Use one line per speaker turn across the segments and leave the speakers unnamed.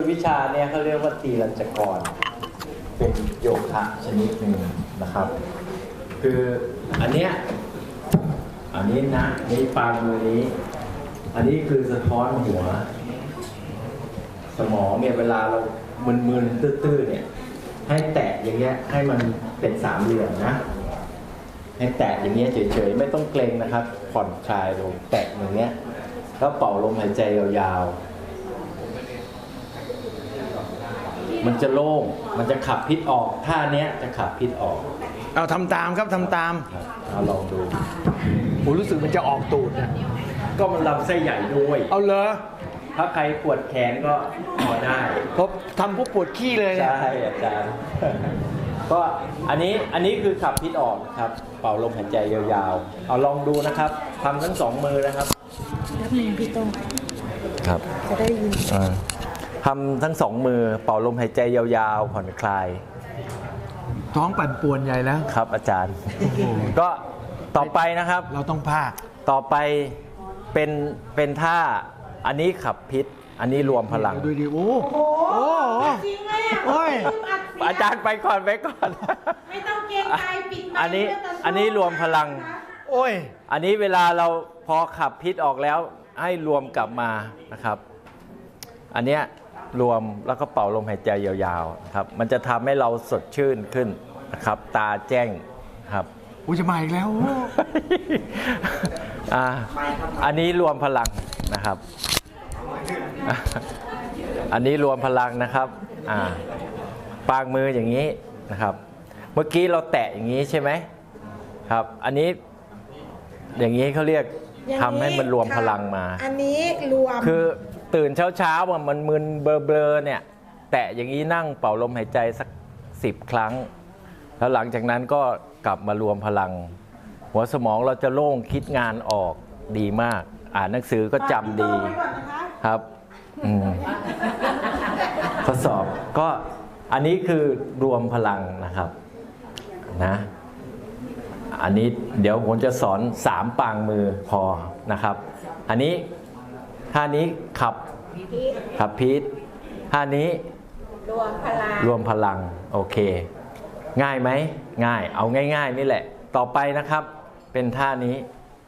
วิชาเนี่ยเขาเรียกว่าตีรัญจกรเป็นโยคะชนิดหนึ่งนะครับคืออันนี้นะนี่ปางมือนี้อันนี้คือสะท้อนหัวสมองเนี่ยเวลาเรามึนๆตื้อๆเนี่ยให้แตะอย่างเงี้ยให้มันเป็นสามเหลี่ยมนะให้แตะอย่างเงี้ยเฉยๆไม่ต้องเกรงนะครับผ่อนคลายลงแตะอย่างเงี้ยแล้วเป่าลมหายใจยาวๆมันจะโล่งมันจะขับพิษออกท่าเนี้ยจะขับพิษออก
เอาทำตามครับทำตาม
เอาลองดู
ผมรู้สึกมันจะออกตูดนะ
ก็มันลำไส้ใหญ่ด้วย
เอาเลย
ถ้าใครปวดแขนก็พอได้
เพราะทำพวกปวดขี้เลย
ใช่อาจารย์ก็อันนี้คือขับพิษออกครับเป่าลมหายใจยาวๆเอาลองดูนะครับทำทั้งสองมือนะครับ
แล้วมือพี่โต้ง
ครับ
จะได้ยิน
ทำทั้งสองมือเป่าลมหายใจยาวๆผ่อนคลาย
ท้องปั่นป่วนใหญ่แล้ว
ครับอาจารย์ก็ต่อไปนะครับ
เราต้องพาก
ต่อไปเป็นท่าอันนี้ขับพิษอันนี้รวมพลัง
ดูดิโอ้โห
จริงเลย
โอ้ยอาจารย์ไปก่อน
ไม่ต้องเกรงใจปิด
อันนี้รวมพลัง
โอ้ย
อันนี้เวลาเราพอขับพิษออกแล้วให้รวมกลับมานะครับอันเนี้ยรวมแล้วก็เป่าลมหายใจยาวๆครับมันจะทำให้เราสดชื่นขึ้นนะครับตาแจ้งครับ
อุ้ยจะมาอีกแล้ว
อันนี้รวมพลังนะครับอันนี้รวมพลังนะครับปางมืออย่างนี้นะครับเมื่อกี้เราแตะอย่างนี้ใช่ไหมครับอันนี้อย่างนี้เขาเรียกทำให้มันรวมพลังมา
อันนี้รวม
คือตื่นเช้ามันมึนเบลอๆเนี่ยแตะอย่างนี้นั่งเป่าลมหายใจสัก10 ครั้งแล้วหลังจากนั้นก็กลับมารวมพลังหัวสมองเราจะโล่งคิดงานออกดีมากอ่านหนังสือก็จำดีครับทดสอบก็อันนี้คือรวมพลังนะครับนะอันนี้เดี๋ยวผมจะสอน3 ปางมือพอนะครับอันนี้ท่านี้ขับพิษท่านี้รวมพลังโอเคง่ายไหมง่ายเอาง่ายๆนี่แหละต่อไปนะครับเป็นท่านี้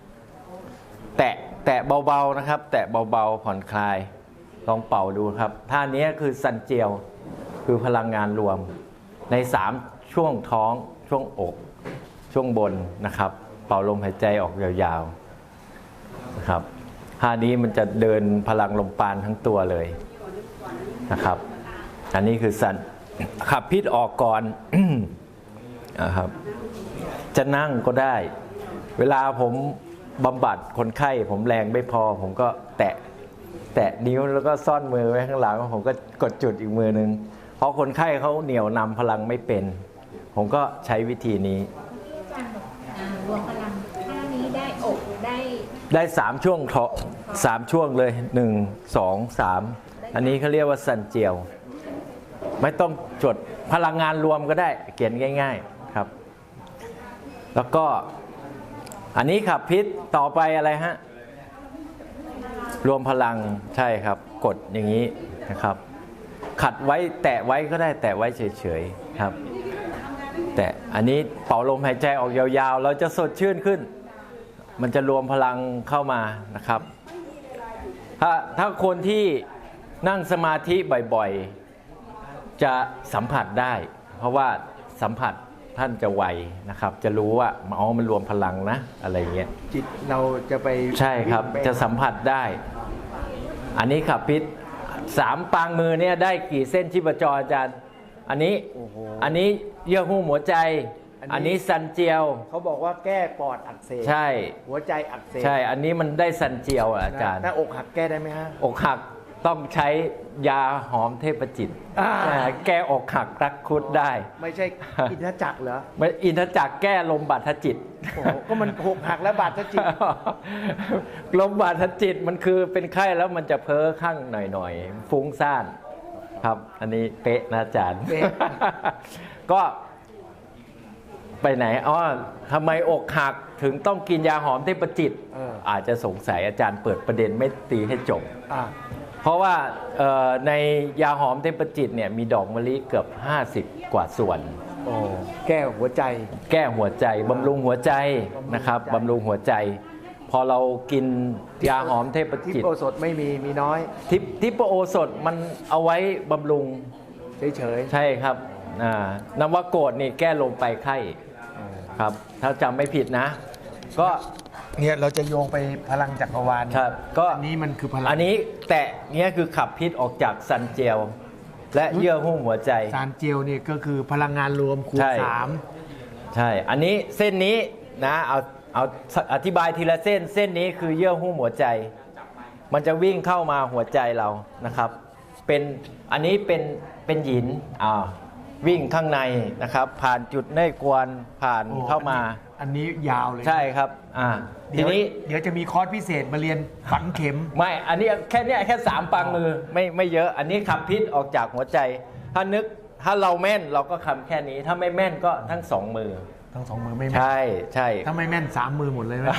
แตะเบาๆนะครับแตะเบาๆผ่อนคลายลองเป่าดูครับท่านี้คือซันเจียวคือพลังงานรวมใน3ช่วงท้องช่วงอกช่วงบนนะครับเป่าลมหายใจออกยาวๆนะครับท่านี้มันจะเดินพลังลมปราณทั้งตัวเลยนะครับอันนี้คือสันขับพิษออกก่อนนะครับจะนั่งก็ได้เวลาผมบำบัดคนไข้ผมแรงไม่พอผมก็แตะนิ้วแล้วก็ซ่อนมือไว้ข้างหลังผมก็กดจุดอีกมือนึงเพราะคนไข้เขาเหนี่ยวนำพลังไม่เป็นผมก็ใช้วิธีนี้
รวมพลังท่านี้ได้อก
ได้3 ช่วง3 ช่วงเลย1 2 3อันนี้เขาเรียกว่าซันเจียวไม่ต้องจดพลังงานรวมก็ได้เขียนง่ายๆครับแล้วก็อันนี้ขับพิษต่อไปอะไรฮะรวมพลังใช่ครับกดอย่างนี้นะครับขัดไว้แตะไว้ก็ได้แตะไว้เฉยๆครับแต่อันนี้เป่าลมหายใจออกยาวๆเราจะสดชื่นขึ้นมันจะรวมพลังเข้ามานะครับถ้าคนที่นั่งสมาธิบ่อยๆจะสัมผัสได้เพราะว่าสัมผัสท่านจะไวนะครับจะรู้ว่าอ๋อมันรวมพลังนะอะไรเงี้ย
จิตเราจะไป
ใช่ครับจะสัมผัสได้อันนี้ขับพิษ3 ปางมือเนี่ยได้กี่เส้นชีพจรอาจารย์อันนี้เยื่อหุ้มหัวใจอันนี้ซันเจียว
เขาบอกว่าแก้ปอดอักเสบ
ใช่
หัวใจอักเสบ
ใช่อันนี้มันได้ซันเจียวอาจารย์
ถ้าอกหักแก้ได้ไหมฮะ
อกหักต้องใช้ยาหอมเทพจิตแก้อกหักรักคุดได้
ไม่ใช่อินทจักรเหรอ
ไม่อินทจักรแก้ลมบาดทจิต
ก็มันอกหักแล้วบาดทจิต
ลมบาดทจิตมันคือเป็นไข้แล้วมันจะเพ้อข้างหน่อยๆฟุ้งซ่านครับอันนี้เป๊ะนะอาจารย์ก็ไปไหนทำไมอกหักถึงต้องกินยาหอมเทพจิตอาจจะสงสัยอาจารย์เปิดประเด็นไม่ตีให้จบเพราะว่าในยาหอมเทพจิตเนี่ยมีดอกมะลิเกือบ50 กว่าส่วน
โอ้แก้หัวใจ
แก้หัวใจบำรุงหัวใจนะครับบำรุงหัวใจ พอเรากินยาหอมเทพ
ที่
จิต
โอสถไม่มีน้อย
ทิปโอสถมันเอาไว้บำรุง
เฉย
ใช่ครับนวโกฏนี่แก้ลมไปไข้ครับถ้าจำไม่ผิดนะ ก็
ๆเนี่ยเราจะโยงไปพลังจักรวาล
ครับก็
อันนี้มันคือพลัง
อันนี้แตะเนี้ยคือขับพิษออกจากซันเจลและเยื่อหุ้มหัวใจ
สารเจลเนี่ยก็คือพลังงานรวมคูณ
ใช่
3
ใช่ อันนี้เส้นนี้นะเอาอธิบายทีละเส้น เส้นนี้คือเยื่อหุ้มหัวใจ มันจะวิ่งเข้ามาหัวใจเรานะครับ อันนี้เป็นหยินวิ่งข้างในนะครับ ผ่านจุดเน่ยกวนผ่าน
โอ้
เข้ามา
อันนี้ยาวเลย
ใช่ครับทีนี้
เดี๋ยวจะมีคอร์สพิเศษมาเรียนฝังเข็ม
ไม่ อันนี้แค่3 ปังมือไม่เยอะ อันนี้ขับพิษออกจากหัวใจ ถ้าเราแม่นเราก็คำแค่นี้ ถ้าไม่แม่นก็ทั้ง2 มือ
ทั้ง2 มือไม่แม่น
ใช่ใช่
ถ้าไม่แม่น 3 มือหมดเลยไหม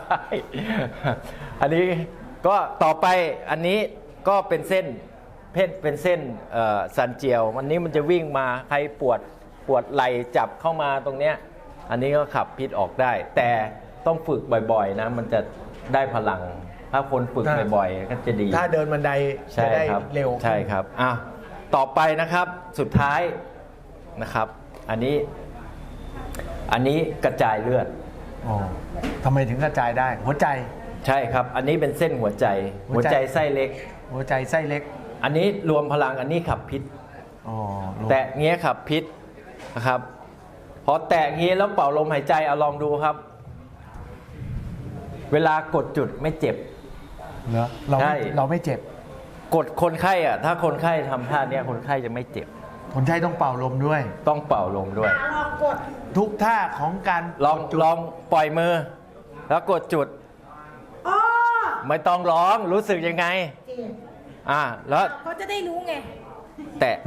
อันนี้ก็ต่อไปอันนี้ก็เป็นเส้นเป็นเส้นซันเจียววันนี้มันจะวิ่งมาใครปวดไหล่จับเข้ามาตรงเนี้ยอันนี้ก็ขับพิษออกได้ แต่ต้องฝึกบ่อยๆนะมันจะได้พลัง ถ้าคนฝึกบ่อยๆก็จะดี
ถ้าเดินบันได
ใช่
จะได้
ครับ
เร็ว
ใช่ครับต่อไปนะครับสุดท้ายนะครับ อันนี้กระจายเลือด
อ๋อทำไมถึงกระจายได้ หัวใจ
ใช่ครับ อันนี้เป็นเส้นหัวใจ
หั
หั
ว
ว
ใจ
ใจไส้เล็ก
หัวใจไส้เล็ก
อันนี้รวมพลังอันนี้ขับพิษ
อ๋อ
แตะเงี้ยขับพิษนะครับ พอแตะเงี้ยแล้วเป่าลมหายใจเอาลองดูครับ เวลากดจุดไม่เจ็บ
เหรอเรา
ใช่
เราไม่เจ็บ
กดคนไข้ถ้าคนไข้ทำท่าเนี้ยคนไข้จะไม่เจ็บ
คนไข้ต้องเป่าลมด้วย
ต้องเป่าลมด้วย
ลองกด
ทุกท่าของการ
ลองปล่อยมือ แล้วกดจุด
อ๋อ
ไม่ต้องร้องรู้สึกยังไง
จริง
แล้ว
เขาจะได้รู้ไง
แตะ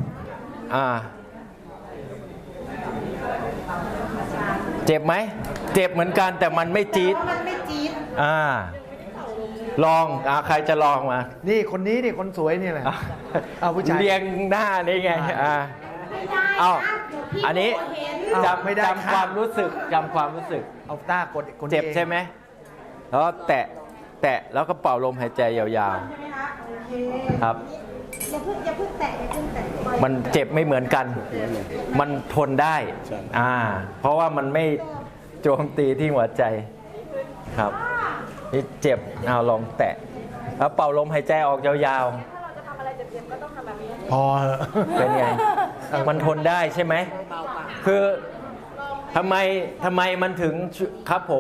เจ็บไหมเจ็บเหมือนกันแต่มันไม่จี๊ด
เพราะมันไม่จี๊ด
ลองใครจะลองมา
นี่คนนี้นี่คนสวยนี่แหละเอาผู้ชาย
เรียงหน้านี่ไง
ไม่ได้
เอา
นะเดี๋ยวพี่
อันนี้
โเห็น
ไม่ได้
จำความรู้สึก
เอาต้ากดคน
เจ็บ
อง
ใช่ไหมแล้วแตะแล้วก็เป่าลมหายใจยาว
ใช่ไหมคะโอเค
ๆครับ
อย่าเพิ่งแตะปล่อย
มันเจ็บไม่เหมือนกัน มันทนได้เพราะว่ามันไม่โจมตีที่หัวใจครับนี่เจ็บเอาลองแตะแล้วเป่าลมหายใจออกยาวๆ
พอเหอะ
เป็นไง มันทนได้ใช่ไหม คือทำไมมันถึงครับผม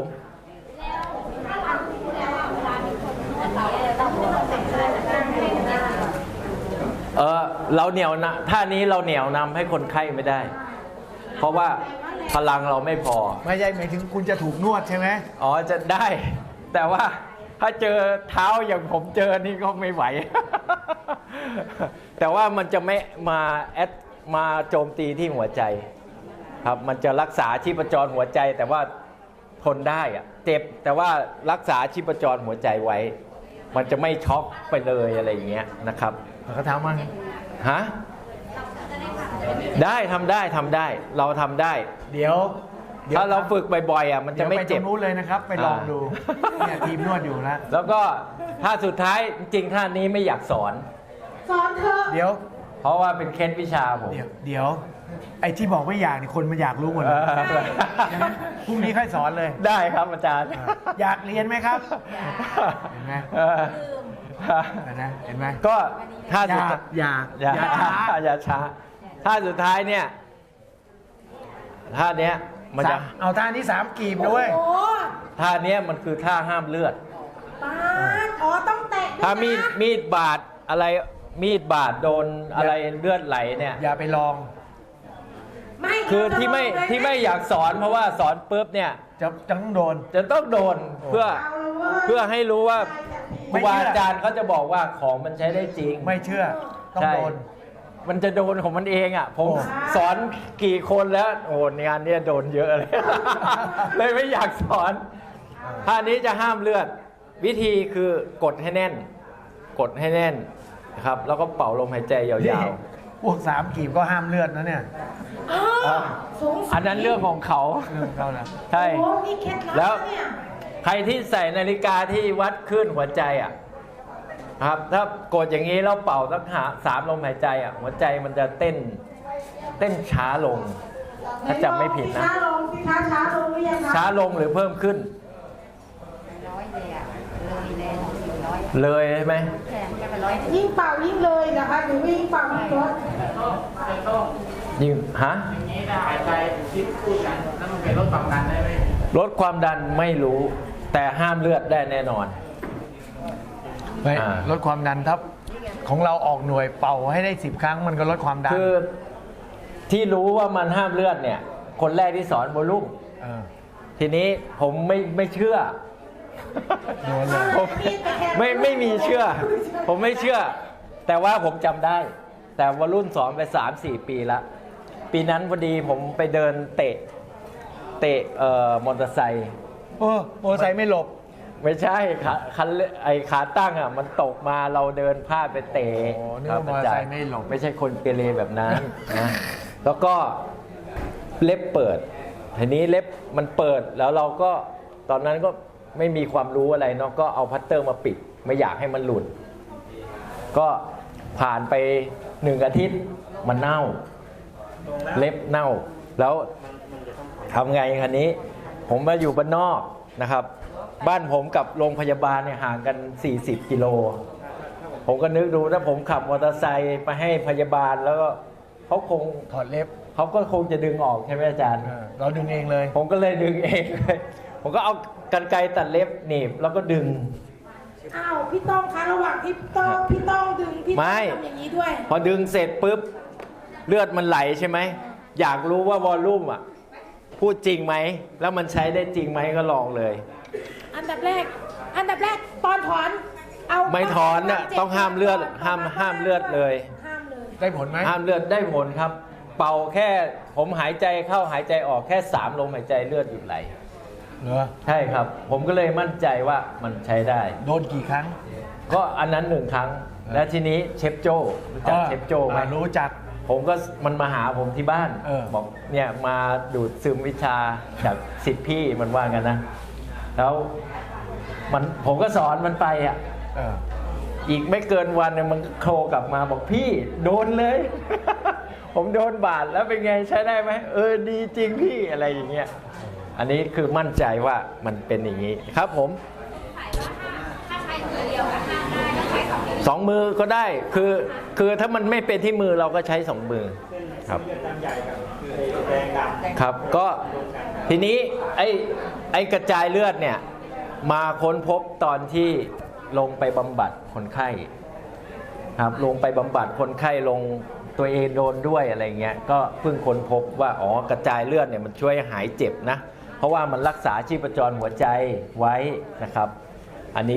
เราเหนียวนะท่านี้เราเหนียวนำให้คนไข้ไม่ได้ เพราะว่าพลังเราไม่พอ
ไม่ใช่หมายถึงคุณจะถูกนวดใช่ไหม
จะได้ แต่ว่าถ้าเจอเท้าอย่างผมเจอนี่ก็ไม่ไหว แต่ว่ามันจะไม่มาโจมตีที่หัวใจครับมันจะรักษาชีพจรหัวใจ แต่ว่าทนได้เจ็บแต่ว่ารักษาชีพจรหัวใจไว้ มันจะไม่ช็อกไปเลยอะไรอย่างเงี้ยนะครับ
เขาถามว่าไง
ฮะได้ทำได้เราทำได้
เดี๋ยว
ถ้าเราฝึกบ่อยๆมันจะไม่เจ็บ
ดี๋ยวปตรงนู้นเลยนะครับ ไปลองดูเนี่ยทีมนวดอยู่แล้ว
แล้วก็ท่าสุดท้ายจริงๆท่านี้ไม่อยากสอน
สอนเธอะ
เดี๋ยว
เพราะว่าเป็นเคล็ดวิชาผม
เดี๋ยวไอ้ที่บอกไม่อยากนี่คนมันอยากรู้หมดเลยงั้นพรุ่งนี้ค่อยสอนเลย
ได้ครับอาจารย์
อยากเรียนไหมครับ เห็นไหม เห็นไหม
ก็ท่าสุด
อย่าช้า
อย่าช้าท่าสุดท้ายเนี่ยท่าเนี้ยมันจะ
เอาท่านี้3 กีบนะเว้ย
โอ้
ท่าเนี้ยมันคือท่าห้ามเลือด
ปาดอ๋อต้องแตะด้วยนะ
ถ้ามีดบาดอะไรมีดบาดโดนอะไรเลือดไหลเนี่ย
อย่าไปลอง
ไม่
คือ
เราจะ
ที่ไม่
ลงเลยนะ
ที่ไม่อยากสอนเพราะว่าสอนปุ๊บเนี่ย
จะต้องโดน
จะต้องโดนเพื่อ
เอาละเว้ย
เพื่อให้รู้ว่าค
ไม่
รู
เชื่อ
บาอาจารย์เขาจะบอกว่าของมันใช้ได้จริง
ไม่เชื่อ ต้อง
ใช่
โดน
มันจะโดนของมันเองผม
โอ้
สอนกี่คนแล้วโอ้งานเนี้ยโดนเยอะเลย เลยไม่อยากสอนท่านี้จะห้ามเลือด วิธีคือกดให้แน่น กดให้แน่นครับ แล้วก็เป่าลมหายใจยา
นี่
ว
พวก3 กีบก็ห้ามเลือดนะเนี่ย
ๆอันนั้นเรื่องของเขา
เรื่องเขานะ
ใช่
โอ้มีเคล็ดลับ
แล้ว
เนี่ย
ใครที่ใส่นาฬิกาที่วัดคลื่นหัวใจอ่ะครับ ถ้ากดอย่างนี้แล้วเป่าสัก3 ลมหายใจอ่ะหัวใจมันจะเต้นช้าลง ถ้าจำไม่ผิดนะ
ช้าลงสิคะช้าลงหรือยังคะ
ช้าลงหรือเพิ่มขึ้น
ร้อยเลยอะเลยเลย400อะ
เลยใช่ไหม
แถมแค่ไป100
ยิ่งเป่ายิ่งเลยนะคะหรือว่ายิ่งเป่ายิ่งลด
ยิ่งฮะ
อย่างนี้ถ้าหายใจคิดพูดกันแล้วมันเป็นลดความดันได้ไหม
ลดความดันไม่รู้ แต่ห้ามเลือดได้แน่นอน
ไป
อ่า
ลดความดันครับ ของเราออกหน่วยเป่าให้ได้10 ครั้งมันก็ลดความดัน
คือที่รู้ว่ามันห้ามเลือดเนี่ย คนแรกที่สอนโวลุ่ม
เออ
ทีนี้ผมไม่เชื่อ
โดนเลย
ผมไม่มีเชื่อ ผมไม่เชื่อ แต่ว่าผมจำได้ แต่วรุ่นสอนไป3-4 ปีละปีนั้นพอดีผมไปเดินเตะมอเตอร์ไซค์
โอ้โมอไซค์ไม่หลบ
ไม่ใช่ขาตั้งอ่ะมันตกมาเราเดินพลาดไปเตะ
โอ้นึกว่ามอเตอร์ไซค์ไม่หลบ
ไม่ใช่คนเกเรแบบนั้นนะแล้วก็เล็บเปิดทีนี้เล็บมันเปิดแล้วเราก็ตอนนั้นก็ไม่มีความรู้อะไรเนาะก็เอาพัตเตอร์มาปิดไม่อยากให้มันหลุด ก็ผ่านไป1 อาทิตย์มันเน่า เล็บเน่า แล้วทำไงคันนี้ ผมมาอยู่บ้านนอกนะครับ บ้านผมกับโรงพยาบาลเนี่ยห่างกัน40 กิโล ผมก็นึกดูถ้าผมขับมอเตอร์ไซค์ไปให้พยาบาลแล้วก็เขา
ถอดเล็บ
ก็คงจะดึงออกใช่ไหมอาจารย์
เออเราดึงเองเลย
ผมก็เลยดึงเองเลย ผมก็เอากรรไกรตัดเล็บหนีบแล้วก็ดึง
อ้าวพี่ต้องคะระหว่างพี่ต้องดึงพี่
ไม่
ต้องทำอย่างนี้ด้วย
พอดึงเสร็จปุ๊บเลือดมันไหลใช่ไหมอยากรู้ว่าวอลลุ่มอ่ะพูดจริงไหมแล้วมันใช้ได้จริงไหมก็ลองเลย
อันดับแรกตอนถอนเอา
ไม่ถอนน่ะต้องห้ามเลือดห้ามเลือดเลย
ห้ามเลย
ได้ผลไหม
ห้ามเลือดได้ผลครับ เป่าแค่ผมหายใจเข้าหายใจออกแค่3 ลมหายใจเลือดหยุดไหล
เหรอ
ใช่ครับ ผมก็เลยมั่นใจว่ามันใช้ได้
โดนกี่ครั้ง
ก็อันนั้น1 ครั้ง และทีนี้เชฟโจ้รู้จักเชฟโจ้ไหม
รู้จัก
ผมก็มันมาหาผมที่บ้าน บอกเนี่ยมาดูดซึมวิชาจากศิษย์พี่มันว่ากันนะ แล้วผมก็สอนมันไปอ่ะ
เออ
อีกไม่เกินวันเนี่ยมันโทรกลับมาบอกพี่โดนเลย ผมโดนบาดแล้วเป็นไงใช้ได้ไหมดีจริงพี่อะไรอย่างเงี้ยอันนี้คือมั่นใจว่ามันเป็นอย่างนี้ครับผม2 มือก็ได้คือถ้ามันไม่เป็นที่มือเราก็ใช้2 มือครับครับก็ทีนี้ไอ้กระจายเลือดเนี่ยมาค้นพบตอนที่ลงไปบำบัดคนไข้ครับลงไปบำบัดคนไข้ลงตัวเองโดนด้วยอะไรเงี้ยก็เพิ่งค้นพบว่ากระจายเลือดเนี่ยมันช่วยหายเจ็บนะเพราะว่ามันรักษาชีพจรหัวใจไว้นะครับอันนี้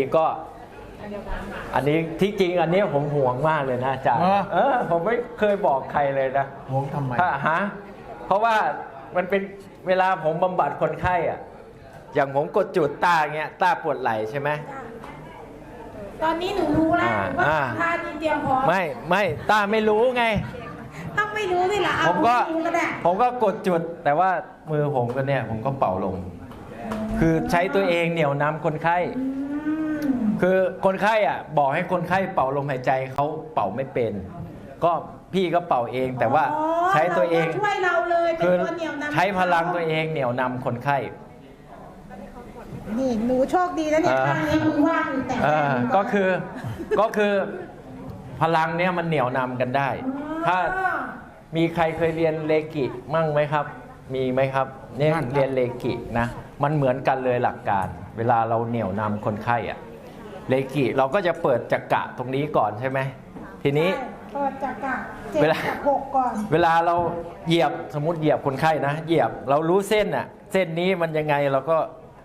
ที่จริงอันนี้ผมห่วงมากเลยนะอาจารย์ผมไม่เคยบอกใครเลยนะ
ห่วงทำไม
เพราะว่ามันเป็นเวลาผมบำบัดคนไข้อะอย่างผมกดจุดตาเงี้ยตาปวดไหล่ใช่ไหม
ตอนนี้หนูรู้แล้วว่าท่านี้เตรียมพร้อม
ไม่ตาไม่รู้ไง
ต้องไม่รู้สิล่ะเอา
ผมก็
ไม่รู้ก็ได้
กดจุดแต่ว่ามือผมก็เนี่ยผมก็เป่าลง คือใช้ตัวเองเหนี่ยวนำคนไข้ คือคนไข้อ่ะบอกให้คนไข้เป่าลมหายใจเขาเป่าไม่เป็น ก็พี่ก็เป่าเองแต่ว่าใช้ตัวเอง
ช่วยเราเลยเป็น
คือ
ตัวเหนี่ยวนำ
ใช้พลังตัวเองเหนี่ยวนำคนไข้
นี่หนูโชคดีแล้วเนี่ยข้างนี้มือว่างอยู่แต่
ก็คือพลังเนี้ยมันเหนี่ยวนำกันได้ ถ้ามีใครเคยเรียนเลกิมั่งไหมครับ มีไหมครับเนี่ยเรียนเลกินะมันเหมือนกันเลยหลักการ เวลาเราเหนี่ยวนำคนไข้อะเลกิเราก็จะเปิดจักระตรงนี้ก่อนใช่ไหมทีนี้
เปิดจักระ7 กับ 6ก่อน
เวลาเราเหยียบสมมติเหยียบคนไข้นะเหยียบเรารู้เส้นอะเส้นนี้มันยังไงเราก็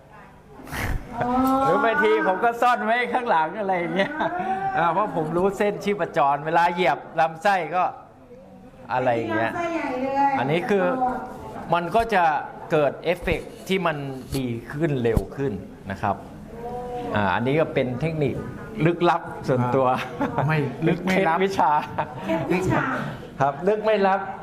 หรือบางทีผมก็ซ่อนไว้ข้างหลังอะไรอย่างเงี้ยเพราะผมรู้เส้นชีพจรเวลาเหยียบลำไส้ก็อะไรอย่างเงี้ย
ไส้ใหญ่เลย
อันนี้คือมันก็จะเกิดเอฟเฟกต์ที่มันดีขึ้นเร็วขึ้นนะครับอันนี้ก็เป็นเทคนิคลึกลับส่วนตัว
ไม่ลึกไม่ลับ
เคล็ดวิชา
เคล็ดวิชา
ครับลึกไม่ลับ